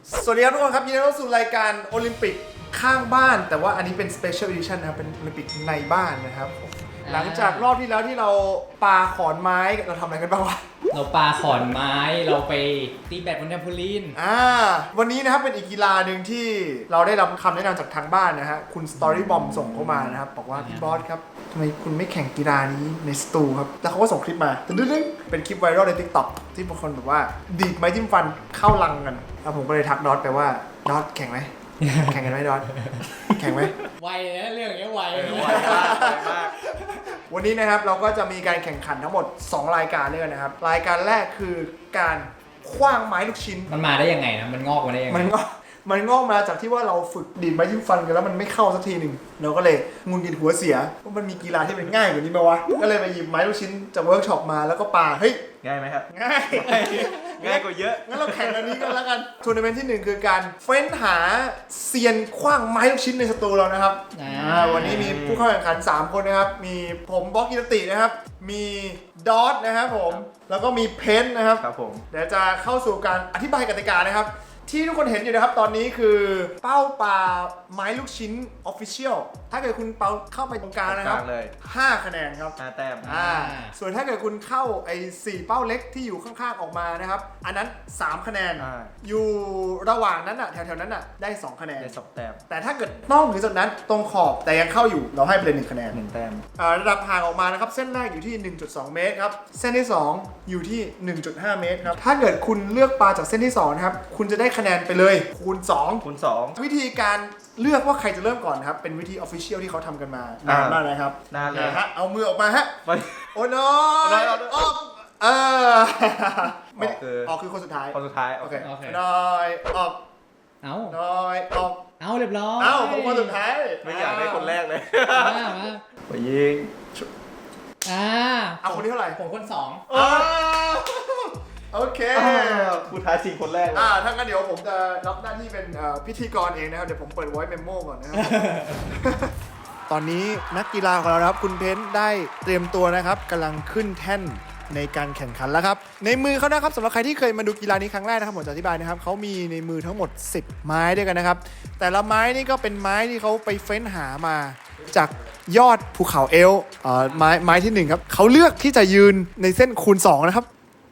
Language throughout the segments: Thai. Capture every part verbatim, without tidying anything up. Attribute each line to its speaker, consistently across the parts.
Speaker 1: สวัสดีครับทุกคนครับยินดีต้อนรับสู่รายการโอลิมปิกข้างบ้านแต่ว่าอันนี้เป็น Special Edition นะครับเป็นโอลิมปิกในบ้านนะครับหลังจากรอบที่แล้วที่เราปาขอนไม้เราทำอะไรกันบ้างวะ
Speaker 2: เราปาขอนไม้เราไปตีแบดบนแทมโพลีน
Speaker 1: อ่าวันนี้นะครับเป็นอีกกีฬาหนึ่งที่เราได้รับคำแนะนำจากทางบ้านนะฮะคุณ Story Bomb ส่งเข้ามานะครับบอกว่าพี่บอสครับทำไมคุณไม่แข่งกีฬานี้ในสตูครับแล้วเขาก็ส่งคลิปมาดึ๊ดๆเป็นคลิปไวรัลใน TikTok ที่บางคนแบบว่าดีดไม้จิ้มฟันเข้าลังกันแล้วผมก็เลยทักดอทไปว่าดอทแข่งไหม แข่งกันไหมดอทแข่งไหม
Speaker 2: ไวนะเรื่องอย่างเงี้ยไว
Speaker 3: ไวมากไวมาก
Speaker 1: วันนี้นะครับเราก็จะมีการแข่งขันทั้งหมดสองรายการด้วยกันนะครับรายการแรกคือการขว้างไม้ลูกชิ้น
Speaker 2: มันมาได้ยังไงนะมันงอกมาได้ยังไง
Speaker 1: มันงอกมันงอกมาจากที่ว่าเราฝึกดีดไม้จิ้มฟันกันแล้วมันไม่เข้าสักทีหนึ่งเราก็เลยงุนกินหัวเสียว่ามันมีกีฬาที่เป็นง่ายกว่านี้ไหมวะก็เลยไปหยิบไม้ลูกชิ้นจากเวิร์กช็อปมาแล้วก็ปาเฮ้ย
Speaker 3: ง่ายไหมครับ
Speaker 1: ง่าย
Speaker 3: ง่ายกว่าเยอะ
Speaker 1: งั้นเราแข่งอันนี้กันแล้วกันทัวร์นาเมนต์ที่หนึ่งคือการเฟ้นหาเซียนขว้างไม้ลูกชิ้นในสตูเรานะครับวันนี้มีผู้เข้าแข่งขันสามคนนะครับมีผมบล็อกกิรตินะครับมีดอทนะครับผมแล้วก็มีเพนนะครับ
Speaker 3: ครับผม
Speaker 1: เดี๋ยวจะเข้าสู่การอธิบายกติกานะครับที่ทุกคนเห็นอยู่นะครับตอนนี้คือเป้าปลาไม้ลูกชิ้น Official ถ้าเกิดคุณเป้าเข้าไปตรงกลางนะครับห้าคะแนนครับ
Speaker 3: ห้าแต้ม
Speaker 1: อ่าส่วนถ้าเกิดคุณเข้าไอ้สี่เป้าเล็กที่อยู่ข้างๆออกมานะครับอันนั้นสามคะแนนอยู่ระหว่างนั้นอ่ะแถวๆนั้นอ่ะได้สองคะแนน
Speaker 3: ได้สองแต้ม
Speaker 1: แต่ถ้าเกิดต้องถึงจุดนั้นตรงขอบแต่ยังเข้าอยู่เราให้ไปเลยหนึ่งคะแนน
Speaker 3: หนึ่งแต้ม
Speaker 1: ระดับห่างออกมานะครับเส้นแรกอยู่ที่ หนึ่งจุดสอง เมตรครับเส้นที่สองอยู่ที่ หนึ่งจุดห้า เมตรครับถ้าเกิดคุณเลือกปลาจากเส้นที่สองนะครับคุณจะได้คะแนนไปเลยคูณสอง
Speaker 3: คูณสอง
Speaker 1: วิธีการเลือกว่าใครจะเริ่มก่อนครับเป็นวิธี Official ที่เขาทำกันมานานมากนะครับ
Speaker 3: นานเลย
Speaker 1: ฮะเอามือออกมาฮะโอ้น้อยออกเออไม่ออกคือคนสุดท้าย
Speaker 3: คนสุดท้าย
Speaker 1: โอเคน้อยออก
Speaker 2: เอา
Speaker 1: น้อยออก
Speaker 2: เอาเรียบร้อย
Speaker 1: เอาผมคนสุดท้าย
Speaker 3: ไม่อยากได้คนแรกเลย
Speaker 2: มามา
Speaker 3: ไปยิง
Speaker 2: อ่า
Speaker 1: เอาคนที่เท่าไหร่
Speaker 2: ผมคนสอง
Speaker 1: โอเค
Speaker 3: ผู้ท้าชิงคนแรก
Speaker 1: อ่าถ้างั้นเดี๋ยวผมจะรับหน้าที่เป็นพิธีกรเองนะครับเดี๋ยวผมเปิด voice memo ก่อนนะครับ ตอนนี้นักกีฬาของเราครับคุณเพนได้เตรียมตัวนะครับกำลังขึ้นแท่นในการแข่งขันแล้วครับในมือเขานะครับสำหรับใครที่เคยมาดูกีฬานี้ครั้งแรกนะครับผมจะอธิบายนะครับเขามีในมือทั้งหมดสิบไม้ด้วยกันนะครับแต่ละไม้นี่ก็เป็นไม้ที่เขาไปเฟ้นหามาจากยอดภูเขาเอลป์ไม้ไม้ที่หนึ่งครับเขาเลือกที่จะยืนในเส้นคูณสองนะครับ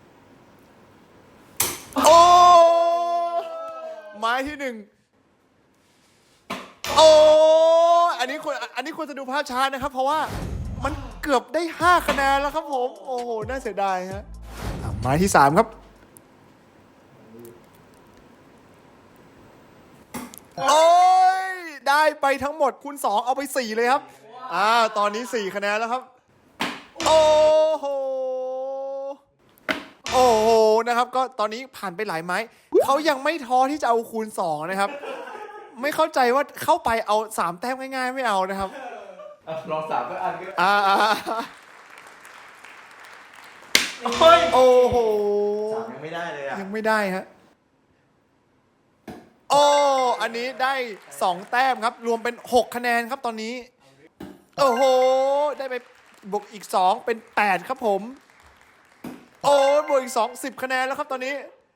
Speaker 1: โอ้ไม้ที่หนึ่งโอ้อันนี้ควรอันนี้ควรจะดูภาพช้านะครับเพราะว่ามันเกือบได้ห้าคะแนนแล้วครับผมโอ้โหน่าเสียดายฮะไม้ที่สามครับโอ้ยได้ไปทั้งหมดคูณสองเอาไปสี่เลยครับอ่าตอนนี้สี่คะแนนแล้วครับโอ้โหโอ้โหนะครับก็ตอนนี้ผ่านไปหลายไม้เขายังไม่ท้อที่จะเอาคูณสองนะครับไม่เข้าใจว่าเข้าไปเอาสามแต้มง่ายๆไม่เอานะครับ
Speaker 3: ลองสามก็อันก็
Speaker 1: อ่าโอ้โห
Speaker 3: สามยังไม่ได้เลยอ่ะ
Speaker 1: ยังไม่ได้ฮะโอ้อันนี้ได้สองแต้มครับรวมเป็นหกคะแนนครับตอนนี้โอ้โหได้ไปบวกอีกสองเป็นแปดครับผมโอ้บวกอีกสอง สิบคะแนนแล้วครับตอนนี้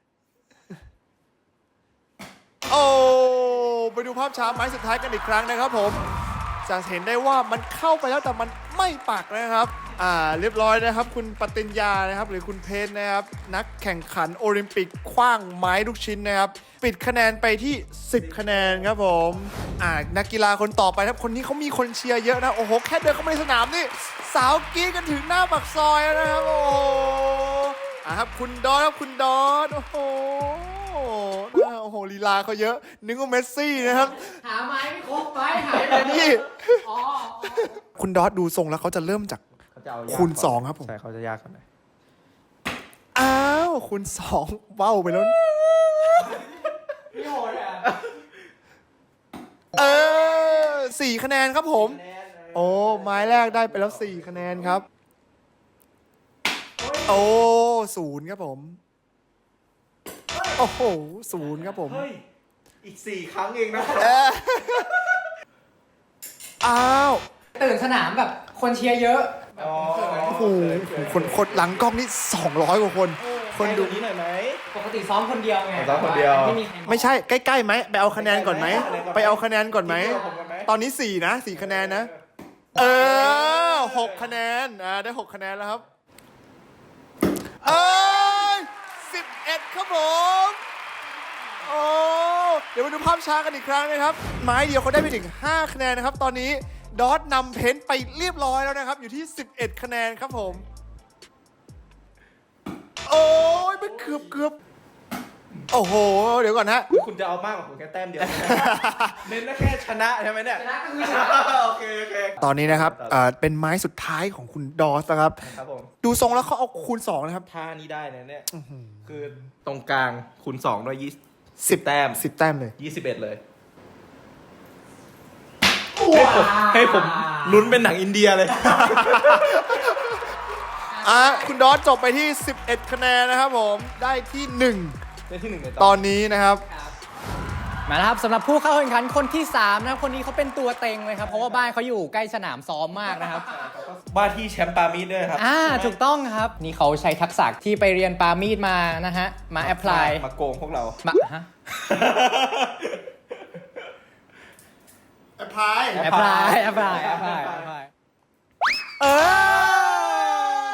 Speaker 1: โอ้ไปดูภาพช้าไม้สุดท้ายกันอีกครั้งนะครับผมจะเห็นได้ว่ามันเข้าไปแล้วแต่มันไม่ปักนะครับอ่าเรียบร้อยนะครับคุณปฏิญญานะครับหรือคุณเพนนะครับนักแข่งขันโอลิมปิกขว้างไม้ลูกชิ้นนะครับปิดคะแนนไปที่สิบคะแนนครับผมอ่านักกีฬาคนต่อไปครับคนนี้เขามีคนเชียร์เยอะนะโอ้โหแค่เดินเข้ามาในสนามนี่สาวกรี๊ดกันถึงหน้าปากซอยนะครับโอ้โหอ่าครับคุณดอทครับคุณดอทโอ้โหโอ้โหลีลาเขาเยอะนึกว่าเมสซี่นะครับ
Speaker 2: หาไม้ไม่ครบไม้หายไป
Speaker 1: นี่คุณดอทดูทรงแล้วเขาจะเริ่มจากคูณสองครับผม
Speaker 3: ใช่เขาจะยากกว่าหน่อย
Speaker 1: อ้าวคูณสองเบ้าไปแล้ว
Speaker 2: พี่โหดอ่ะ
Speaker 1: เออสี่คะแนนครับผมโอ้ไม้แรกได้ไปแล้วสี่คะแนนครับโอ้ศูนย์ครับผมโอ้โหศูนย์ครับผม
Speaker 3: อีกสี่ครั้งเองนะ
Speaker 1: อ้าว
Speaker 2: ตื่นสนามแบบคนเชียร์เยอะ
Speaker 1: โอ้โหคนคนหลังกล้องนี่สองร้อยกว่าคนคนคนดู
Speaker 3: นี้หน่อยไหม
Speaker 2: ปกติซ้อมคนเดียวไง
Speaker 3: ซ้อมคนเดียว
Speaker 2: ไม่มีใคร
Speaker 1: ไม่ใช่ใกล้ๆไหมไปเอาคะแนนก่อนไหมไปเอาคะแนนก่อนไหม
Speaker 3: ทีเดียวผมกันไหม
Speaker 1: ตอนนี้สี่นะสี่คะแนนนะ เออหกคะแนนอ่าได้หกคะแนนแล้วครับเอ้ยสิบเอ็ดครับผมโอ้เดี๋ยวมาดูภาพช้ากันอีกครั้งนะครับไม้เดียวเขาได้ไปถึงห้าคะแนนนะครับตอนนี้ดอทนำเพนท์ไปเรียบร้อยแล้วนะครับอยู่ที่สิบเอ็ดคะแนนครับผมโอ้ยไม่เกือบเกือบโอ้โหเดี๋ยวก่อนฮะ
Speaker 3: คุณจะเอามากกว่าผมแค่แต้มเดียว เน้นแค่ชนะใช่ไหมเนี่ย
Speaker 2: ชนะก็คือชนะ
Speaker 3: โอเคโอเค
Speaker 1: ตอนนี้นะครับเอ่อเป็นไม้สุดท้ายของคุณดอสนะครับ
Speaker 3: ครับผม
Speaker 1: ดูทรงแล้วเขาเอาคูณสองนะครับ
Speaker 3: ท่านี้ได้นะเนี่ยคือตรงกลางคูณสองด้วยยี่
Speaker 1: สิ
Speaker 3: สิ
Speaker 1: บ
Speaker 3: บแต้ม
Speaker 1: สิบแต้มเลย
Speaker 3: ยี่สิบเอ็ดเลยให้ผมให้ผมลุ้นเป็นหนังอินเดียเลย
Speaker 1: อ่ะคุณดอสจบไปที่สิบเอ็ดคะแนนนะครับผมได้ที่หนึ่ง
Speaker 3: ได้ที่หนึ่งใน
Speaker 1: ตอนนี้นะครับ
Speaker 2: มาแล้วครับสำหรับผู้เข้าแข่งขันคนที่สามนะครับคนนี้เขาเป็นตัวเต็งเลยครับเพราะว่าบ้านเขาอยู่ใกล้สนามซ้อมมากนะครับ
Speaker 3: ว่าที่แชมป์ปามีดด้วยครับ
Speaker 2: อ่าถูกต้องครับนี่เขาใช้ทักษะที่ไปเรียนปามีดมานะฮะมาแอพพลาย
Speaker 3: มาโกงพวกเรา
Speaker 2: มาฮะ
Speaker 1: แอพพลาย
Speaker 2: แอพพลายแอพพลายแอพพลายแอพพลายเออ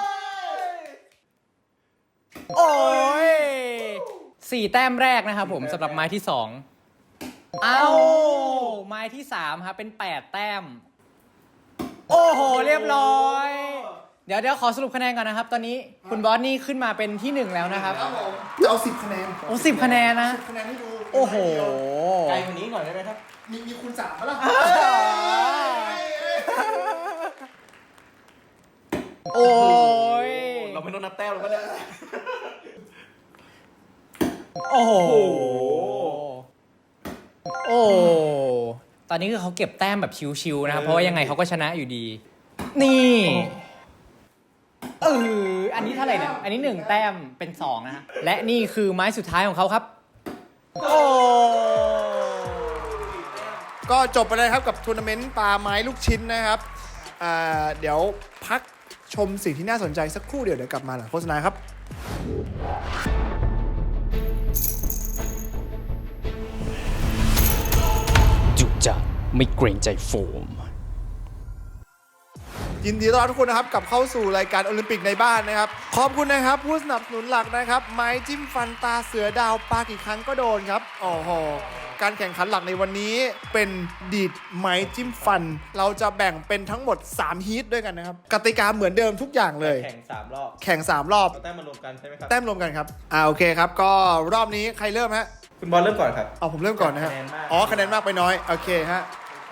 Speaker 2: โอ้ยสี่แต้มแรกนะครับผมสำหรับไม้ที่สองเอ้าไม้ที่สามครับเป็นแปดแต้มโอ้โหเรียบร้อย เดี๋ยวเดี๋ยวขอสรุปคะแนนก่อนนะครับ ตอนนี้คุณบอสนี่ขึ้นมาเป็นที่หนึ่งแล้วนะครับ
Speaker 1: จะเอาสิบคะแนน
Speaker 2: โอ้สิบคะแนนนะ
Speaker 1: สิบคะแนนให้ดู
Speaker 2: โอ้โห
Speaker 3: ไกลกว่านี้หน่อยได้ไหมครับ
Speaker 1: มีมีคูณสามปะล่ะ
Speaker 2: โอ้ย
Speaker 3: เราไม่ต้องนับแต้มแล้วก็ได้
Speaker 2: โอ้โห
Speaker 3: โอ้โห
Speaker 2: โอ้ ตอนนี้คือเขาเก็บแต้มแบบชิวๆนะครับ เพราะว่ายังไงเขาก็ชนะอยู่ดี นี่เอออันนี้เท่าไหร่เนี่ย อันนี้หนึ่งแต้มเป็นสองนะฮะ และนี่คือไม้สุดท้ายของเขาครับ โอ้
Speaker 1: ก็จบไปเลยครับกับทัวร์นาเมนต์ปลาไม้ลูกชิ้นนะครับอ่าเดี๋ยวพักชมสิ่งที่น่าสนใจสักครู่เดี๋ยวเดี๋ยวกลับมาหลังโฆษณาครับ
Speaker 2: จุจัดไม่เกรงใจโฟม
Speaker 1: ยินดีต้อนรับทุกคนนะครับกลับเข้าสู่รายการโอลิมปิกในบ้านนะครับขอบคุณนะครับผู้สนับสนุนหลักนะครับไม้จิ้มฟันตาเสือดาวปากี่ครั้งก็โดนครับโอ้โหการแข่งขันหลักในวันนี้เป็นดีดไม้จิ้มฟัน เราจะแบ่งเป็นทั้งหมดสามฮีทด้วยกันนะครับกติกาเหมือนเดิมทุกอย่างเลย
Speaker 3: แข่งสามรอบ
Speaker 1: แข่งสามรอบ
Speaker 3: เอาแต้มมารวมกันใช่ไหมครับ
Speaker 1: แต้มรวมกันครับอ่าโอเคครับก็รอบนี้ใครเริ่มฮะ
Speaker 3: คุณบอลเริ่มก่อนครับ
Speaker 1: เอาผมเริ่มก่อนนะฮะ
Speaker 3: คะแนนมาก
Speaker 1: อ๋อคะแนนมากไปน้อยโอเคฮะ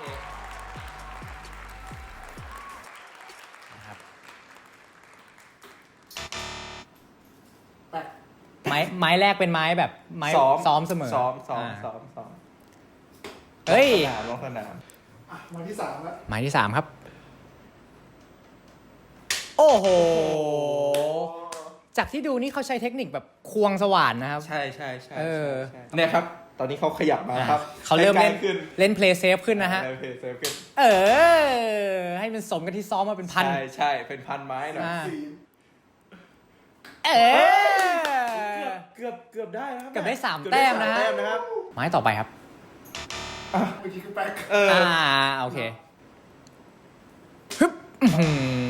Speaker 2: ไม้ไม้แรกเป็นไม้แบบไม้
Speaker 3: ซ้อม
Speaker 2: ซ้อมเสมอ
Speaker 3: ซ้อมซ้อม
Speaker 2: า
Speaker 3: ซ้อมซ้อม
Speaker 2: เฮ้ย
Speaker 3: สนามลงสนาม
Speaker 1: อ่ะวันที่สามแล้ว
Speaker 2: ไม้ที่สามครับ โอ้โห จากที่ดูนี่เขาใช้เทคนิคแบบควงสว่านนะครับ
Speaker 3: ใช่ใช่ใช่
Speaker 2: เออ
Speaker 3: ใช่เนี่ยครับ ตอนนี้เขาขยับมาครับ
Speaker 2: เขาเริ่มเล่น
Speaker 3: ใกขึ้น
Speaker 2: เล่นเพลย์เซฟขึ้นนะฮะ
Speaker 3: เออเพย์เซฟขึ้น
Speaker 2: เออ ให้มันสมกับที่ซ้อมมาเป็นพัน
Speaker 3: ใช่ใช่เป็นพันไม้หน่อย
Speaker 2: อ่า
Speaker 1: สี่
Speaker 2: เออ
Speaker 3: เกือบเกือบได้นะครับ
Speaker 2: เกือบได้สาม
Speaker 3: เกือบ
Speaker 2: แต้
Speaker 3: ได้
Speaker 2: มนะฮะ
Speaker 3: สาแต้มนะครับ
Speaker 2: ไม้ต่อไปครับ
Speaker 1: เมื่อกี้คือแป๊ก
Speaker 3: เออ
Speaker 2: อ่า โอเคฮึบอื้อหื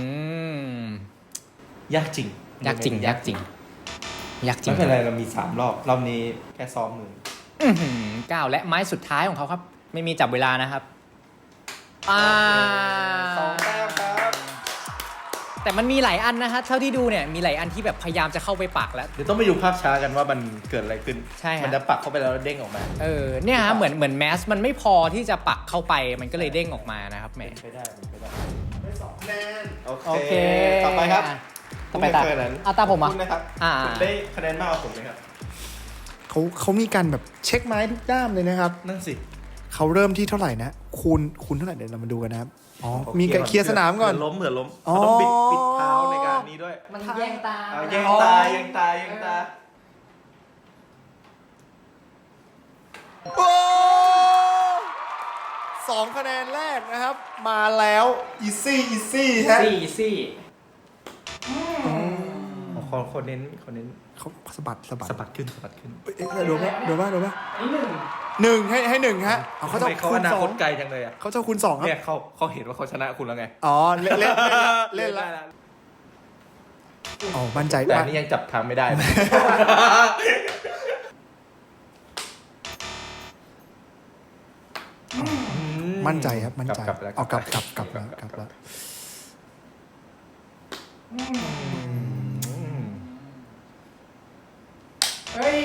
Speaker 2: อย
Speaker 3: ากจริง
Speaker 2: ยากจริง ยากจริง ยากจริง
Speaker 3: ไม่เป็นไรเรามีสามรอบ รอบนี้แค่ซ้อมมือ
Speaker 2: อื้อหือเก้าและไม้สุดท้ายของเขาครับ ไม่มีจับเวลานะครับ อ่า
Speaker 3: สองแต้มครับ
Speaker 2: แต่มันมีหลายอันนะฮะเท่าที่ดูเนี่ยมีหลายอันที่แบบพยายามจะเข้าไปปักแล้ว
Speaker 3: เดี๋ยวต้องไปดูภาพช้ากันว่ามันเกิดอะไรขึ้น
Speaker 2: ใช่ฮะ
Speaker 3: มันจะปักเข้าไปแล้วเด้งออกมา
Speaker 2: เออเนี่ยฮะเหมือนเหมือนแมสมันไม่พอที่จะปักเข้าไปมันก็เลยเด้งออกมานะครับแหม
Speaker 3: ไปได้ไปได้
Speaker 1: ได้สองคะแนน
Speaker 3: โอ
Speaker 2: โอ
Speaker 3: เค
Speaker 2: เค
Speaker 3: ต่อไปครับ
Speaker 2: อ่ะต่อไปตา
Speaker 3: คุณม่เคยนั้น
Speaker 2: อ่ะตาผมอ่ะ
Speaker 3: คุณนะครับ
Speaker 2: อ่า
Speaker 3: คุณได้คะแนนมากกว่าผมไหมครับ
Speaker 1: เขาเขามีการแบบเช็คไม้ทุกด้ามเลยนะครับ
Speaker 3: นั่นสิ
Speaker 1: เขาเริ่มที่เท่าไหร่นะคูณคูณเท่าไหร่เดี๋ยวเรามาดูกันนะครับอ๋อมีการเคลียร์สนามก่อน
Speaker 3: เผื่ล้มเผื่อล้ม
Speaker 1: อ๋อ
Speaker 3: เขาต้องบิดบิดเท้าในการนี้ด้วย
Speaker 2: มันแย่งตา
Speaker 3: เอาแย่งตาแย่งตาแย่งตา
Speaker 1: โอ้สองคะแนนแรกนะครับ มาแล้วอีซี่อีซี่ฮะ
Speaker 2: ซี่ซี่
Speaker 3: คนคนเน้นคนเน้น
Speaker 1: เขาเขาสะบัดสะบัด
Speaker 3: สะบัดขึ้นสะบัดขึ้น
Speaker 1: เอ้ยเอ๊ะโดนปะโดนปะโดนปะ
Speaker 2: อันนี้หนึ่ง
Speaker 1: หนึ่งให้ให้หนึ่งฮะเอาเขา
Speaker 3: ทำ
Speaker 1: จะ
Speaker 3: ไมเขา
Speaker 1: คู
Speaker 3: อ
Speaker 1: ณ
Speaker 3: นา
Speaker 1: สอ
Speaker 3: ค
Speaker 1: ง
Speaker 3: ตไกลจังเลยอ่ะ
Speaker 1: เขาจะคูณสองครับ
Speaker 3: เนี่ยเขาเขาเห็นว่าเขาชนะคุณแล้วไง
Speaker 1: อ๋อเล่นเล่นเล่นละเล่นละ
Speaker 3: ได้
Speaker 1: อ๋อมั่นใจ
Speaker 3: แต่
Speaker 1: มา
Speaker 3: อั
Speaker 1: ก
Speaker 3: นนี้ยังจับทางไม่ได้นะ
Speaker 1: มั่นใจครับมั่นใจ
Speaker 3: กลับแล้ว
Speaker 1: เอากลับกลับกลับแล้วกลับแล้ว
Speaker 2: เฮ้ย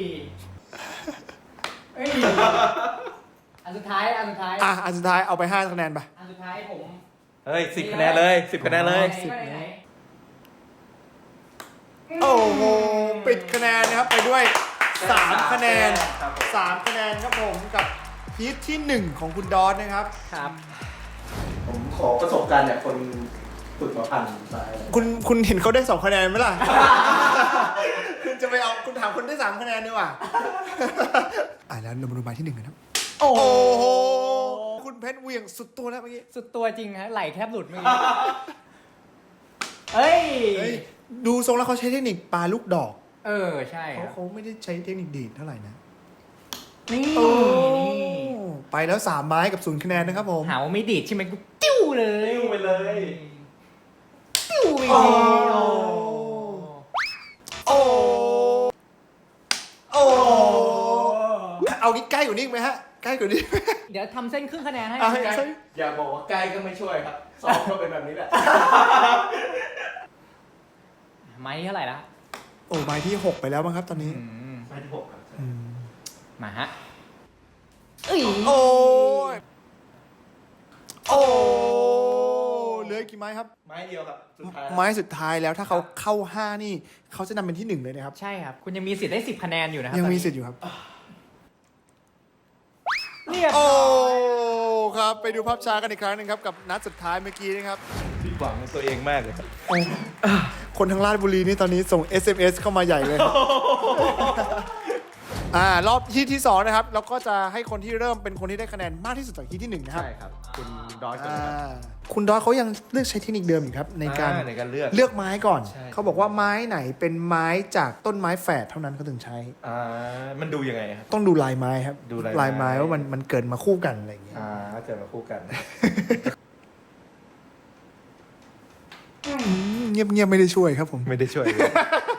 Speaker 2: เฮ้ย อันสุดท้าย อันสุดท้าย
Speaker 1: อ่ะอันสุดท้ายเอาไปห้าคะแนนไป
Speaker 2: อันสุดท้ายผม
Speaker 3: เฮ้ยสิบคะแนนเลยสิบคะแนนเลย
Speaker 2: สิบไหน
Speaker 1: โอ้โหปิดคะแนนนะครับไปด้วยสามคะแนน
Speaker 3: ครับผม
Speaker 1: สามคะแนนครับผมกับฮีทที่หนึ่งของคุณดอนนะครับ
Speaker 2: ครับ
Speaker 3: ผมขอประสบการณ์จากคนฝึกมาพันไป
Speaker 1: คุณคุณเห็นเขาได้สองคะแนนไหมล่ะ คุณจะไปเอาคุณถามคนได้สามคะแนนดีกว่า อ่ะแล้วเรามาดูหมายที่หนึ่งกันครับ
Speaker 2: โอ้
Speaker 1: โอ้
Speaker 2: โห
Speaker 1: โหคุณเพชรเหวี่ยงสุดตัวแล้วเมื่อกี้
Speaker 2: สุดตัวจริงฮะ ไหลแทบหลุดเมื่อกี้เฮ้ย
Speaker 1: เฮ้ยดูทรงแล้วเขาใช้เทคนิคปลาลูกดอก
Speaker 2: เออ ใช่ค
Speaker 1: เขา
Speaker 2: รับ
Speaker 1: เขาไม่ได้ใช้เทคนิคดีดเท่าไหร่นะ
Speaker 2: นี่
Speaker 1: โอ้
Speaker 2: นี่
Speaker 1: ไปแล้วสามไม้กับศูนย์คะแนนนะครับผม
Speaker 2: หาว่าไม่ดีดใช่ไหมกูติ้วเลย
Speaker 3: ติ้วไปเลย
Speaker 2: ติ้วไป
Speaker 1: โอ้
Speaker 2: เลย
Speaker 1: โอ้โอ้เอางี้ใกล้กว่านี้อีกไหมฮะใกล้กว่านี้ไหม
Speaker 2: เดี๋ยวทำเส้นครึ่งคะแนนให้
Speaker 1: เอาให้
Speaker 3: อย่าบอกว่าใกล้ก็ไม่ช่วยครับสอบก็เป็นแบบนี้แหละ
Speaker 2: ไม้เท่าไหร่ละ
Speaker 1: โอ้ไม้ที่หกไปแล้วมั้งครับตอนนี้
Speaker 2: อืม
Speaker 3: ไม่ที่หกครับ
Speaker 1: อืม
Speaker 2: มาฮะเอ้ย
Speaker 1: โอ้ยโอ้เหลืออีกกี่ไม้ครับ
Speaker 3: ไม้เดียวครับสุดท้าย
Speaker 1: ไม้สุดท้ายแล้วถ้าเขาเข้าห้านี่เขาจะนำเป็นที่หนึ่งเลยนะครับ
Speaker 2: ใช่ครับ คุณยังมีสิทธิ์ได้สิบคะแนนอยู่นะครับ
Speaker 1: ยังมี
Speaker 2: ตอนนี้
Speaker 1: สิทธิ์อยู่ครับ
Speaker 2: เรียบ
Speaker 1: โอ้
Speaker 2: ร้อย
Speaker 1: ครับไปดูภาพช้ากันอีกครั้งหนึงครับกับนัดสุดท้ายเมื่อกี้นะครับ
Speaker 3: ผิดหวังในตัวเองมากเลยครับ
Speaker 1: คนทางราชบุรีนี่ตอนนี้ส่ง เอส เอ็ม เอส เข้ามาใหญ่เลย อ่ารอบที่ที่สองนะครับเราก็จะให้คนที่เริ่มเป็นคนที่ได้คะแนนมากที่สุดจากที่ที่หนึ่งนะครับ
Speaker 3: ใช่ครับ คุณดอยก่อน
Speaker 1: อ่า
Speaker 3: นะครับ
Speaker 1: คุณดอยเขายังเลือกใช้เทคนิคเดิมอยู่ครับในการ
Speaker 3: อ่ในการเลือก
Speaker 1: เลือกไม้ก่อน
Speaker 3: ใช่
Speaker 1: เขาบอกว่าไม้ไหนเป็นไม้จากต้นไม้แฝดเท่านั้นเขาถึงใช้
Speaker 3: อ่ามันดูยังไงครับ
Speaker 1: ต้องดูลายไม้ครับ
Speaker 3: ดูลายไม้
Speaker 1: ไม้ว่ามันมันเกิดมาคู่กันอะไรอย่างเงี้ย
Speaker 3: อ่าเกิดมาคู่กัน
Speaker 1: เงียบเงียบๆไม่ได้ช่วยครับผม
Speaker 3: ไม่ได้ช่วยเลย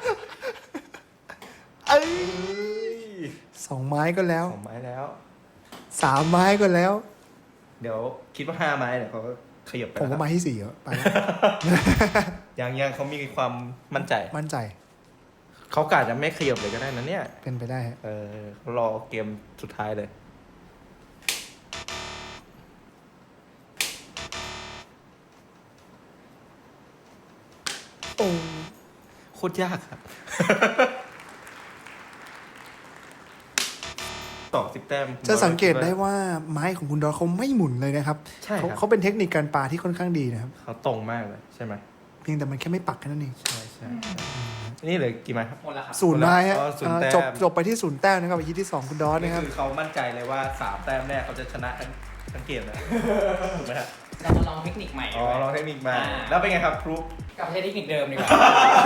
Speaker 1: เอ้ยสองไม้ก็แล้ว
Speaker 3: สองไม้แล้ว
Speaker 1: สามไม้ก็แล้ว
Speaker 3: เดี๋ยวคิดว่าห้าไม้เนี่ยเขาก็ขยับไป
Speaker 1: ผม
Speaker 3: แล้ว
Speaker 1: ว่าไม้ที่สี่แล้วไปแล้ว
Speaker 3: ยังยังเขามีความมั่นใจ
Speaker 1: มั่นใจ
Speaker 3: เขากาจะไม่ขยับเลยก็ได้นะเนี่ย
Speaker 1: เป็นไปได้ฮะ
Speaker 3: เออเขารอเกมสุดท้ายเลย
Speaker 1: โอ้
Speaker 3: โคตรยากครับ ต่อสิบแต้ม
Speaker 1: จะสังเกตได้ว่าไม้ของคุณดอเขาไม่หมุนเลยนะครับ
Speaker 3: ใช่ค
Speaker 1: เขา
Speaker 3: รับ
Speaker 1: เขาเป็นเทคนิคการปาที่ค่อนข้างดีนะครับ
Speaker 3: เขาตรงมากเลยใช่ไหม
Speaker 1: เพียงแต่มันแค่ไม่ปักแค่นั้นเอง
Speaker 3: ใช่ใช่นี่เหลยกี่ไม้ครับ
Speaker 2: หมดแล้วครับ
Speaker 1: ศูนย์ไม้ฮะ
Speaker 3: อ๋อศูนย์
Speaker 1: อ่า
Speaker 3: แต้ม
Speaker 1: จบจบไปที่ศูนย์แต้มนะครับไปที่ที่สองคุณดอส
Speaker 3: นี่
Speaker 1: นะครับ
Speaker 3: คือเขามั่นใจเลยว่าสามแต้มแรกเขาจะชนะทั้งทั้งเกมนะถูกไหมครับ
Speaker 2: เรามาลองเทคนิคใหม่
Speaker 3: อ๋อลองเทคนิคมา
Speaker 2: อ่า
Speaker 3: แล้วเป็นไงครับครู
Speaker 2: กลับไปใช้เทคนิคเดิมดีกว่า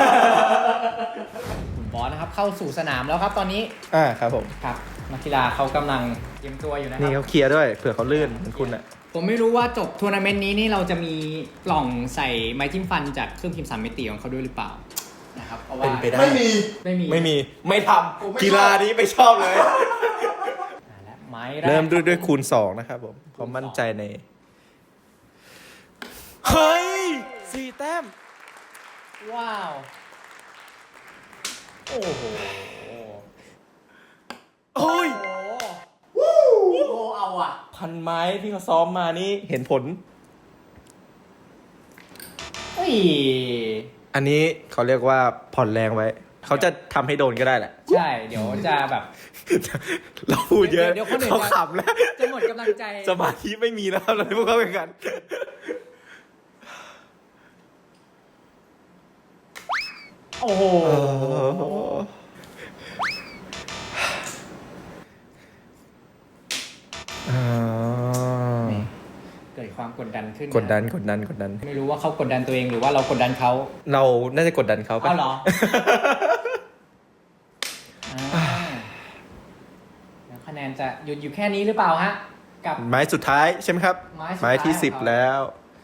Speaker 2: คุณบอสนะครับเข้าสู่สนามแล้วครับตอนนี้
Speaker 3: อ่าครับผม
Speaker 2: ครับนักกีฬาเขากำลังเตรียมตัวอยู่นะค
Speaker 3: นี่
Speaker 2: รับ
Speaker 3: เขาเคลียร์ด้วยเผื่อเขาลื่นเหมือนคุณอ่ะ
Speaker 2: ผมไม่รู้ว่าจบทัวร์นาเมนต์นี้นี่เราจะมีกล่องใส่ไม้จิ้มฟันจากเครื่องพิมพ์สามมิติของเขาด้วยหรือเปล่านะครับเพราะว่า
Speaker 3: เป็นไปได้
Speaker 1: ไม่มี
Speaker 2: ไม่มี
Speaker 3: ไม่มีไม่ท
Speaker 1: ผมไม่
Speaker 3: ำกีฬานี้ไม่ชอบเลย
Speaker 2: อ่าและไม้แรก
Speaker 3: เริ่มด้วยด้วยคูณสองนะครับผมเขามั่นใจใน เฮ้ยสี่แต้ม
Speaker 2: ว้าว
Speaker 3: โอ้โหโอ้ย
Speaker 2: โอ้โหเอาอ่ะ
Speaker 3: พันไม้ที่เขาซ้อมมานี่เห็นผล
Speaker 2: เฮ้ย
Speaker 3: อันนี้เขาเรียกว่าผ่อนแรงไว้ เขาจะทำให้โดนก็ได้แหละ
Speaker 2: ใช่เดี๋ยวจะแบบ
Speaker 3: เราพูดเยอะ
Speaker 2: เดี๋ยวคนอื่น
Speaker 3: เขา
Speaker 2: จะ
Speaker 3: ขำแล้ว
Speaker 2: จะหมดกำลังใจ
Speaker 3: สมาธิไม่มีแล้วเราพวกเขาเป็นกัน
Speaker 2: โอ้โห
Speaker 3: อ่า
Speaker 2: เกิดความกดดันขึ้น
Speaker 3: กดดันกดดันกดดัน
Speaker 2: ไม่รู้ว่าเขากดดันตัวเองหรือว่าเรากดดันเขา
Speaker 3: เราน่าจะกดดันเขาปะ
Speaker 2: เอาเหรอจะหยุดอยู่แค่นี้หรือเปล่าฮะกับ
Speaker 3: ไม้สุดท้ายใช่ไหมครับ
Speaker 2: ไม้สุดท้าย
Speaker 3: ที่สิบ
Speaker 2: ของเขา
Speaker 3: แล้ว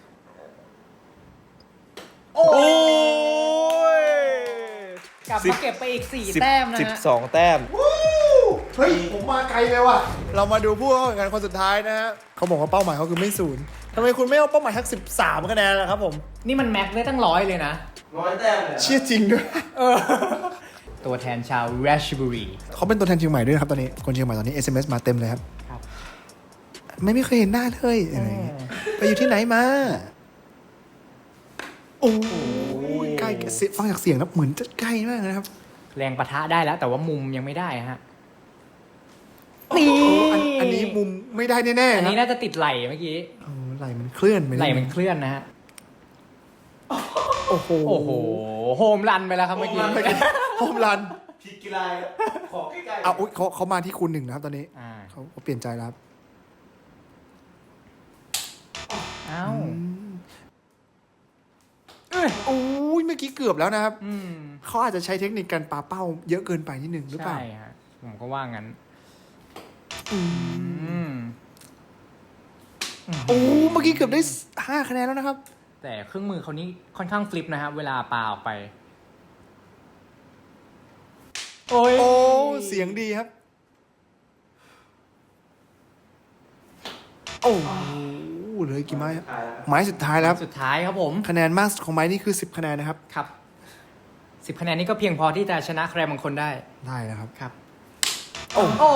Speaker 2: โอ้
Speaker 3: โอ้ย
Speaker 2: กลับ
Speaker 3: สิบ
Speaker 2: มาเก็บไปอีกสี่
Speaker 3: สิบ
Speaker 2: แต้มนะ
Speaker 3: สิบ
Speaker 2: ฮะ
Speaker 3: สองแต้ม
Speaker 1: เฮ้ย ผมมาไกลเลยว่ะ เรามาดูผู้เข้าแข่งขันคนสุดท้ายนะฮะเขาบอกว่าเป้าหมายเขาคือไม่ศูนย์ทำไมคุณไม่เอาเป้าหมายทักสิบสามคะแนนล่ะครับผม
Speaker 2: นี่มันแม็กได้ตั้งร้อยเลยนะ
Speaker 3: ร้อยแต้มเลย
Speaker 1: เชี่ยจริงด้วย
Speaker 2: ตัวแทนชาวราชบุรี
Speaker 1: เขาเป็นตัวแทนเชียงใหม่ด้วยนะครับตอนนี้คนเชียงใหม่ตอนนี้ เอส เอ็ม เอส มาเต็มเลยครับ
Speaker 2: ครับ
Speaker 1: ไม่ไม่เคยเห็นหน้าเลยอะไรอย่างเงี้ยไปอยู่ที่ไหนมา โอ้ยใกล้เสียงฟังจากเสียงแล้วเหมือนจะใกล้มากนะครับ
Speaker 2: แรงปะทะได้แล้ว แต่ว่ามุมยังไม่ได้ฮะนี่
Speaker 1: โอ้อันอันนี้มุมไม่ได้แน่ๆ
Speaker 2: อัน
Speaker 1: ค
Speaker 2: นี้
Speaker 1: รับ
Speaker 2: น่าจะติดไหลเมื่อกี้
Speaker 1: โอ้ไหลมันเคลื่อนไป
Speaker 2: ไหลมันเคลื่อนนะฮะ
Speaker 1: โอ้โห
Speaker 2: โอ้โหโฮมรันไปแล้วครับเมื่อกี้
Speaker 1: โฮมรัน
Speaker 3: ผิดกีฬาขอใกล้ๆ
Speaker 1: เอาอุ๊ยเขาเขามาที่คูณหนึ่งนะครับตอนนี้
Speaker 2: อ่า
Speaker 1: เขาเขาเปลี่ยนใจแล้วครับ
Speaker 2: เอ้า
Speaker 1: โอ้ยเมื่อกี้เกือบแล้วนะครับ
Speaker 2: อืม
Speaker 1: เขาอาจจะใช้เทคนิคการปาเป้าเยอะเกินไปนิดหนึ่งหรือเปล่า
Speaker 2: ใช่ฮะผมก็ว่างั้น
Speaker 1: อื
Speaker 2: อืม
Speaker 1: โอ้เมื่อกี้เกือบได้ห้าคะแนนแล้วนะครับ
Speaker 2: แต่เครื่องมือเขานี่ค่อนข้างฟลิปนะครับเวลาปาออกไป โอ้ย
Speaker 1: โอ้เสียงดีครับ โอ้เหลยกี่ไม้ครับไม้สุดท้ายแล้วครับ
Speaker 2: สุดท้ายครับผม
Speaker 1: คะแนนมากสุดของไม้นี่คือสิบคะแนนนะครับ
Speaker 2: ครับสิบคะแนนนี้ก็เพียงพอที่จะชนะใครบางคนได้
Speaker 1: ได้แล้วครับ
Speaker 2: ครับ
Speaker 1: โอ้
Speaker 2: โอ้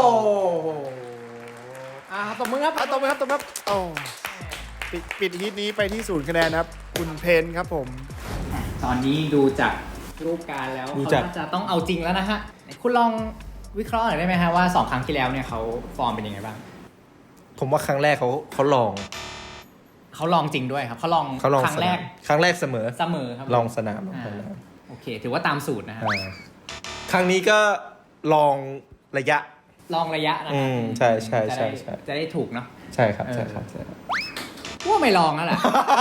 Speaker 2: อ่าตบมือครับ
Speaker 1: อ่ะตบมือครับตบมือครับโอ้ปิดปิดฮีทนี้ไปที่ศูนย์คะแนนนะครับ คุณเพนครับผม
Speaker 2: ตอนนี้ดูจากรูปการแล้ว
Speaker 3: ดู
Speaker 2: เขา
Speaker 3: จาก
Speaker 2: น่าจะต้องเอาจริงแล้วนะฮะไหนคุณลองวิเคราะห์หน่อยได้ไหมฮะว่าสองครั้งที่แล้วเนี่ยเขาฟอร์มเป็นยังไงบ้าง
Speaker 3: ผมว่าครั้งแรกเขาเขาลอง
Speaker 2: เขาลองจริงด้วยครับเขาลอง
Speaker 3: เขาลอง
Speaker 2: ครั้งแรก
Speaker 3: สนามครั้งแรกเสมอ
Speaker 2: เสมอครับ
Speaker 3: ลองสนาม
Speaker 2: อ่า
Speaker 3: ลองสนาม
Speaker 2: โอเค ถือว่าตามสูตรนะฮะ
Speaker 3: อ่าครั้งนี้ก็ลองระยะ
Speaker 2: ลองระยะนะ
Speaker 3: อื
Speaker 2: ฮะ
Speaker 3: มใช่ใช่ใช่
Speaker 2: จะได้
Speaker 3: ใช่
Speaker 2: จะได้ถูกเนาะ
Speaker 3: ใช่ครับ
Speaker 2: เออ
Speaker 3: ใช่ครับใช่ครับ
Speaker 2: ว่าไม่ลองแล้วแหละ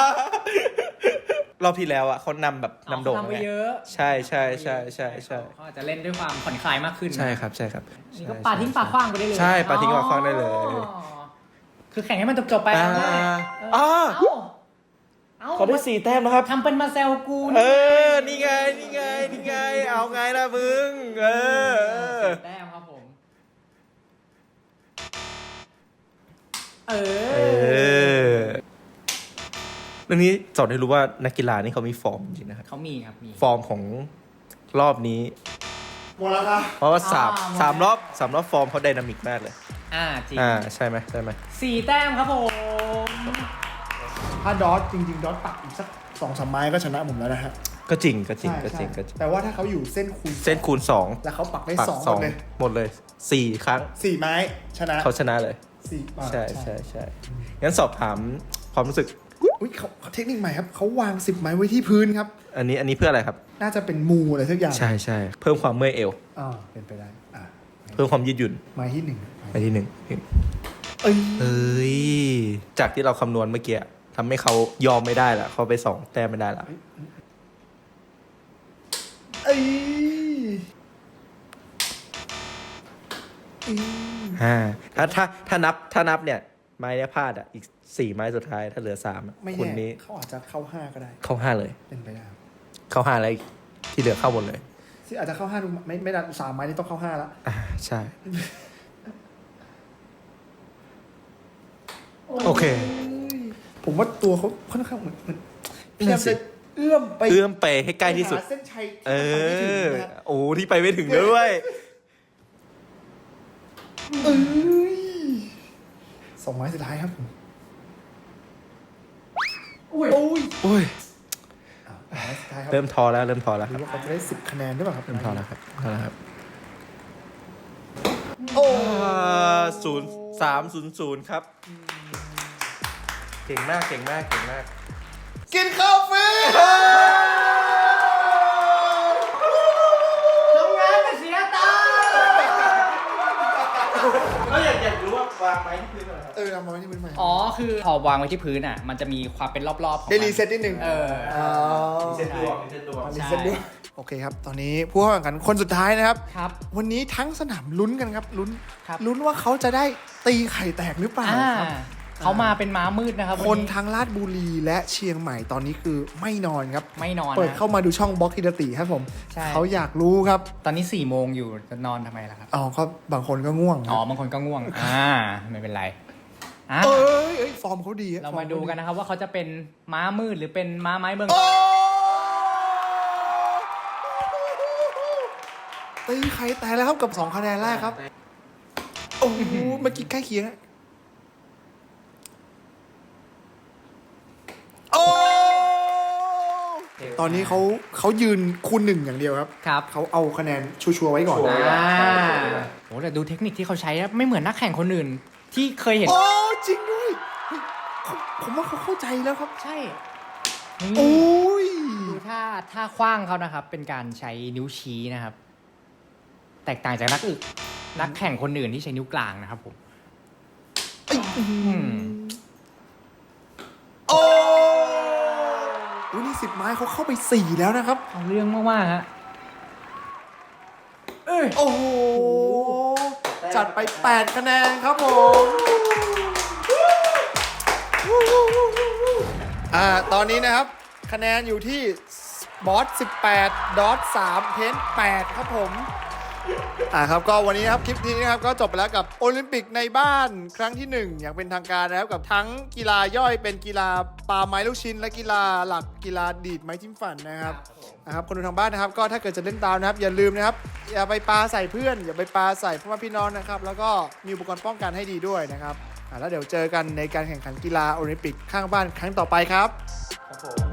Speaker 3: รอบที่แล้วอ่ะเขานำแบบนำโด่ง
Speaker 2: เอาเขาทำไป
Speaker 3: ไง
Speaker 2: เยอะ
Speaker 3: ใช่ใช่ใช่ใช่ใช่
Speaker 2: เขาอาจจะเล่นด้วยความผ่อนคลายมากขึ้นนะ
Speaker 3: ใช่ครับใช่ครับ
Speaker 2: นี่ก็ปาทิ้งปาขว้างไปได้เลย
Speaker 3: ใช่ปาทิ้งปาขว้างได้เลย
Speaker 2: อ๋อคือแข่งให้มันจบๆไป
Speaker 3: อ่า
Speaker 2: เอาได้
Speaker 3: อ่า
Speaker 2: เอ้าเอ้า
Speaker 3: เขาได้สี่แต้มแล้วครับ
Speaker 2: ทำเป็นมาแซวกู
Speaker 3: เออ นี่ไง นี่ไง นี่ไง เอาไงล่ะมึง เออเออ
Speaker 2: แต้มครับผม เอ
Speaker 3: เอ
Speaker 2: อ
Speaker 3: อเรื่องนี้สอนให้รู้ว่านักกีฬานี่เขามีฟอร์มจริงๆนะครับ
Speaker 2: เขามีครับมี
Speaker 3: ฟอร์มของรอบนี้
Speaker 1: หมดแล้วครับ
Speaker 3: เพราะว่าสาม
Speaker 2: อ่าหมดแล้ว
Speaker 3: สามรอบสามรอบฟอร์มเขาไดนามิกมากเลย
Speaker 2: อ่าจริง
Speaker 3: อ่า ใช่ไหมใช่ไหม
Speaker 2: สี่แต้มครับผม
Speaker 1: ถ้าดอทจริงๆ ดอทปักอีกสักสองสามไม้ก็ชนะผมแล้วนะฮะ
Speaker 3: ก็จริง ก็จริง
Speaker 1: ใช่
Speaker 3: ก็จริง
Speaker 1: ใช่
Speaker 3: ก็จริง
Speaker 1: แต่ว่าถ้าเขาอยู่เส้นคูณ
Speaker 3: เส้นคูณสอง
Speaker 1: แล้วเขาปักได้
Speaker 3: ปัก
Speaker 1: สอง
Speaker 3: ส
Speaker 1: หม
Speaker 3: อง
Speaker 1: ดเลย
Speaker 3: หมดเลยสี่ครั้ง
Speaker 1: สี่ไม้ชนะ
Speaker 3: เขาชนะเลย
Speaker 1: สี่อ่า
Speaker 3: ใช่ใช่ใช่งั้นสอบถามความรู้สึก
Speaker 1: อุ้ยเขาเขาเทคนิคใหม่ครับเขาวางสิบไม้ไว้ที่พื้นครับ
Speaker 3: อันนี้อันนี้เพื่ออะไรครับ
Speaker 1: น่าจะเป็นมูอะไรสักอย่าง
Speaker 3: ใช่ใช่เพิ่มความเมื่อยเอว
Speaker 1: อ่าเป็นไปได้อ่า
Speaker 3: เพิ่มความยืดหยุ่น
Speaker 1: ไม้ที่หนึ่ง
Speaker 3: ไปที่หนึ่ง
Speaker 1: เอ้ย
Speaker 3: เอ้ย จากที่เราคำนวณเมื่อกี้ทำให้เขายอมไม่ได้ละเขาไปสองแต้มไม่ได้ละ
Speaker 1: เอ้ยอืม
Speaker 3: อ่าถ้าถ้าถ้านับถ้านับเนี่ย ไม้เนี้ยพลาดอ่ะ อีกสี่ไม้สุดท้ายถ้าเหลือสามอะ
Speaker 1: ไม่
Speaker 3: คุณ
Speaker 1: แน่
Speaker 3: นี้
Speaker 1: เขาอาจจะเข้าห้าก็ได้
Speaker 3: เข้าห้าเลย
Speaker 1: เป็นไปได้ครับ
Speaker 3: เข้าห้าแล้วอีกที่เหลือเข้าหมดเลย
Speaker 1: ที่อาจจะเข้าห้าดูไม่ไม่ได้สามไม้นี่ต้องเข้าห้าแล้ว
Speaker 3: อ่าใช่ โอเค
Speaker 1: ผมว่าตัวเขาค่อนข้างเหมือนเหมือนพยายาม
Speaker 3: นั่นสิ
Speaker 1: จะเอื้อมไป
Speaker 3: เอื้อมไปให้ใกล้ที่สุด
Speaker 1: หาเส้นชัย
Speaker 3: เอ
Speaker 1: ที่มันไปไม่ถึง
Speaker 3: อ
Speaker 1: นะฮะ
Speaker 3: โอ้ที่ไปไม่ถึงด้วย
Speaker 1: เอ้ยสองไม้สุดท้ายครับผม
Speaker 2: อุ้ย
Speaker 1: โอ้ย
Speaker 3: โอ้ย
Speaker 1: อ่ะไม้สุดท้ายครับ
Speaker 3: เริ่มทอแล้วเริ่มทอแล้ว
Speaker 1: ห
Speaker 3: ค
Speaker 1: รื
Speaker 3: รั
Speaker 1: อบ ว่าเขาจะได้สิบคะแนนหรือเปล่าครับ
Speaker 3: เริ่มทอแล้วครับทอแล้วครับ
Speaker 1: โอ้
Speaker 3: ศูนย์สามศูนย์ศูนย์ครับ เก่งมากเก่งมากเก่งมาก
Speaker 1: กินข้าวฟรี
Speaker 2: ทำงานแต่เสียตังค์
Speaker 3: ก็อยากอยากรู้ว่าางไม้ที่พื้นก่อนครับ
Speaker 1: เออเอามาไว้ที่พื้นใหม่
Speaker 2: อ๋อ คือพอวางไว้ที่พื้นอ่ะ มันจะมีความเป็นรอบๆของ
Speaker 1: ได้
Speaker 2: มัน
Speaker 1: รีเซ็ตนิดนึง
Speaker 2: เออ
Speaker 1: อ๋อ
Speaker 3: มีเส้นดวงมีเส้นดวง
Speaker 1: รีเซ็ตด้วยโอเคครับ ตอนนี้ผู้เข้าแข่งขันคนสุดท้ายนะครับ
Speaker 2: ครับ
Speaker 1: วันนี้ทั้งสนามลุ้นกันครับลุ้น
Speaker 2: ครับ
Speaker 1: ลุ้นว่าเขาจะได้ตีไข่แตกหรือเปล่า
Speaker 2: อ่า
Speaker 1: ครับ
Speaker 2: เขามาเป็นม้ามืดนะครับ
Speaker 1: คน
Speaker 2: วันนี้
Speaker 1: ทางลาดบุรีและเชียงใหม่ตอนนี้คือไม่นอนครับ
Speaker 2: ไม่นอน
Speaker 1: เปิด
Speaker 2: นะ
Speaker 1: เข้ามาดูช่องบล็อกกิรติครับผม
Speaker 2: ใช่
Speaker 1: เขาอยากรู้ครับ
Speaker 2: ตอนนี้สี่โมงอยู่จะนอนทำไมล่ะครับ
Speaker 1: อ๋อก็บางคนก็ง่วงค
Speaker 2: อ๋อ
Speaker 1: รับบ
Speaker 2: างคนก็ง่วง อ่า ไม่เป็นไรอ่ะ
Speaker 1: เอ้ยเอ้ยฟอร์มเขาดีอะ
Speaker 2: เรามาดูกันนะครับว่าเขาจะเป็นม้ามืดหรือเป็นม้าไม้เมือง
Speaker 1: โอ้ตีไข่แตกแล้วครับกับสองคะแนนแรกครับโอ้โหเมื่อกี้ใกล้เคียงอะโอ้ตอนนี้เขาเขายืนคูณหนึ่งอย่างเดียวครับ
Speaker 2: ครับ
Speaker 1: เขาเอาคะแนนชัวร์ๆไว้ก่อน
Speaker 3: ชัวร์
Speaker 2: อ่าโหแต่ดูเทคนิคที่เขาใช้นะไม่เหมือนนักแข่งคนอื่น ที่เคยเห็น
Speaker 1: โอ้จริงด้วยเฮ้ยเขาผมว่าเขาเข้าใจแล้วครับ
Speaker 2: ใช่
Speaker 1: โอ้
Speaker 2: นี่
Speaker 1: ย
Speaker 2: ดูท่าท่าคว้างเขานะครับ เป็นการใช้นิ้วชี้นะครับ แตกต่างจากนักอึกนักแข่งคนอื่นที่ใช้นิ้วกลางนะครับผม อืม
Speaker 1: โอ้อุ๊ยนี่สิบไม้เขาเข้าไปสี่แล้วนะครับ
Speaker 2: เอาเรื่องมากๆฮะเอ้ย
Speaker 1: โอ้โห จัดไปแปดคะแนนครับผม อ่า ตอนนี้นะครับ คะแนนอยู่ที่บอสสิบแปดดอทสามเพนแปดครับผม อ่าครับก็วันนี้นะครับคลิปนี้นะครับก็จบไปแล้วกับโอลิมปิกในบ้านครั้งที่หนึ่งอย่างเป็นทางการนะครับกับทั้งกีฬาย่อยเป็นกีฬาปาไม้ลูกชิ้น และกีฬาหลักกีฬาดีดไม้จิ้มฟันนะครับนะครับคนดูทางบ้านนะครับก็ถ้าเกิดจะเล่นตามนะครับอย่าลืมนะครับอย่าไปปาใส่เพื่อน อย่าไปปาใส่พ่อแม่พี่น้องนะครับแล้วก็มีอุปกรณ์ป้องกันให้ดีด้วยนะครับอ่าแล้วเดี๋ยวเจอกันในการแข่งขันกีฬาโอลิมปิกข้างบ้านครั้งต่อไปครับ
Speaker 3: ครับผม